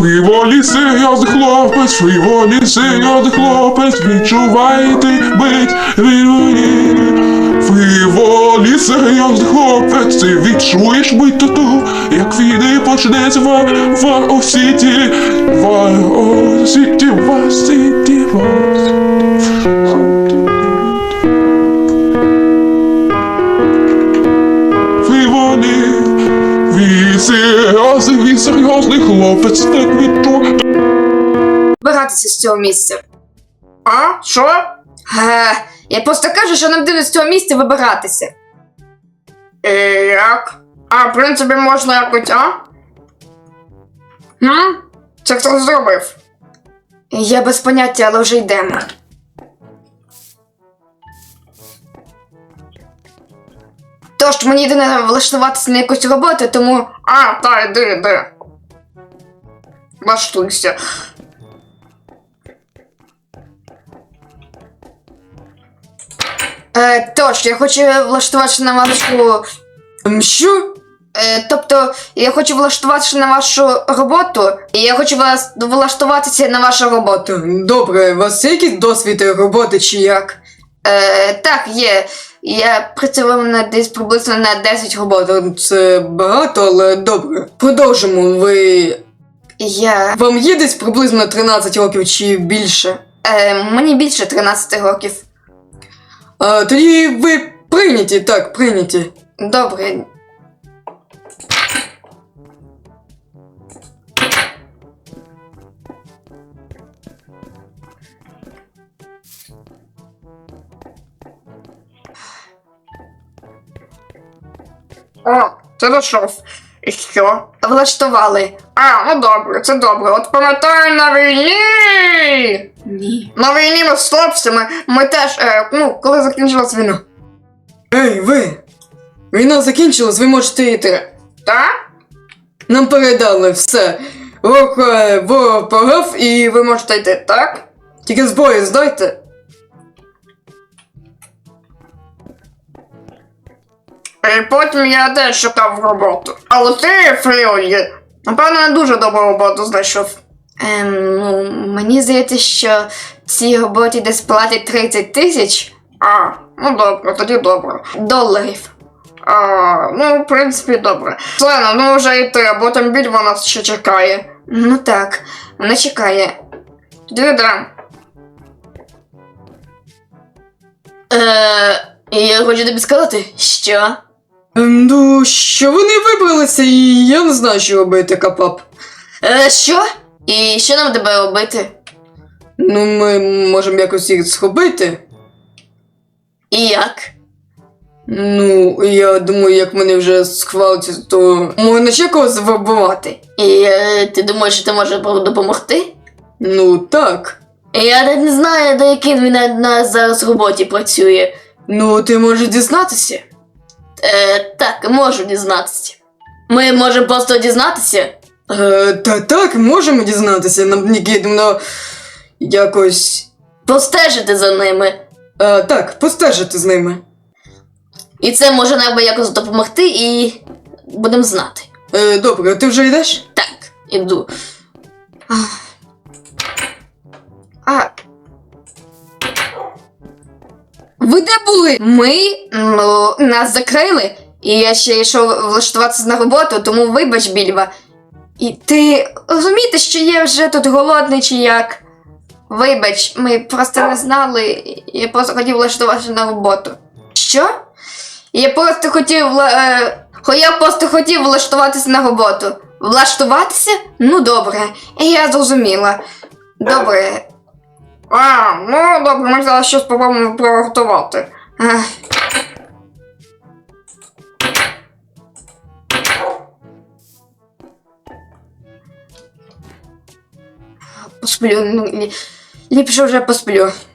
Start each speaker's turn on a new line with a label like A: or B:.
A: Фріволі серйозний хлопець, фріволі серйозний хлопець, відчувайте бить фріволі. Фріволі серйозний хлопець, ти відчуєш бить тату, як війни почнеться в Осіті, в Осіті, в Осіті, в Осіті. Фріволі, він серйозний хлопець, так відчує.
B: Вибиратися з цього місця.
C: А? Що?
B: Я просто кажу, що нам дивно з цього місця вибиратися.
C: Як? А, в принципі, можна якось, а? Це хто зробив?
B: Я без поняття, але вже йдемо. Тож, мені йде влаштуватися на якусь роботу, тому...
C: А, та, йди. Влаштуйся.
B: Тож, я хочу влаштуватися на вашу...
C: Що?
B: Тобто, я хочу влаштуватися на вашу роботу, і я хочу влаштуватися на вашу роботу.
C: Добре, у вас є якийсь досвід роботи чи як?
B: Так, є. Я працював десь приблизно на 10 робот.
C: Це багато, але добре. Продовжимо. Вам є десь приблизно 13 років чи більше?
B: Мені більше 13 років.
C: Тоді ви прийняті, так, прийняті.
B: Добре.
C: О, ти дійшов. І що?
B: Влаштували.
C: А, ну добре, це добре. От пам'ятаю на війні!
B: Ні.
C: На війні ми з хлопцями, ми теж, коли закінчилась війна. Ей, ви! Війна закінчилась, ви можете йти. Так? Нам передали все. Ворог програв і ви можете йти, так? Тільки зброю здайте. І потім я теж шукав роботу. Але ти, Фріолі, напевно, не дуже добру роботу знайшов.
B: Мені здається, що цій роботі десь платять 30 тисяч.
C: А, ну добре, тоді добре.
B: Доларів.
C: В принципі, добре. Слена, ну вже йти, а потім більва нас ще чекає.
B: Ну так, вона чекає.
C: Тоді йдемо.
B: Я хочу тобі сказати, що?
C: Ну, що вони вибралися, і я не знаю, що робити, Капап.
B: Що? І що нам тебе робити?
C: Ну, ми можемо якось їх схопити.
B: І як?
C: Ну, я думаю, як вони вже схвалюються, то можна ще когось вибивати.
B: І ти думаєш, що ти можеш допомогти?
C: Ну, так.
B: Я навіть не знаю, до якій він на зараз роботі працює.
C: Ну, ти можеш дізнатися.
B: Так, можу дізнатися. Ми можемо просто дізнатися?
C: Так, можемо дізнатися. Нам необхідно якось...
B: Постежити за ними.
C: Так, постежити з ними.
B: І це може нам якось допомогти, і будемо знати.
C: Добре, ти вже йдеш?
B: Так, іду. Ви де були? Ми, нас закрили, і я ще йшов влаштуватися на роботу, тому вибач, Більва. І ти розумієте, що я вже тут голодний чи як? Вибач, ми просто не знали, я просто хотів влаштуватися на роботу. Що? Я просто хотів влаштуватися на роботу. Влаштуватися? Ну добре, я зрозуміла. Добре.
C: Ну добре, ми зараз щось спробуємо приготувати.
B: Посплю, ліпше вже посплю.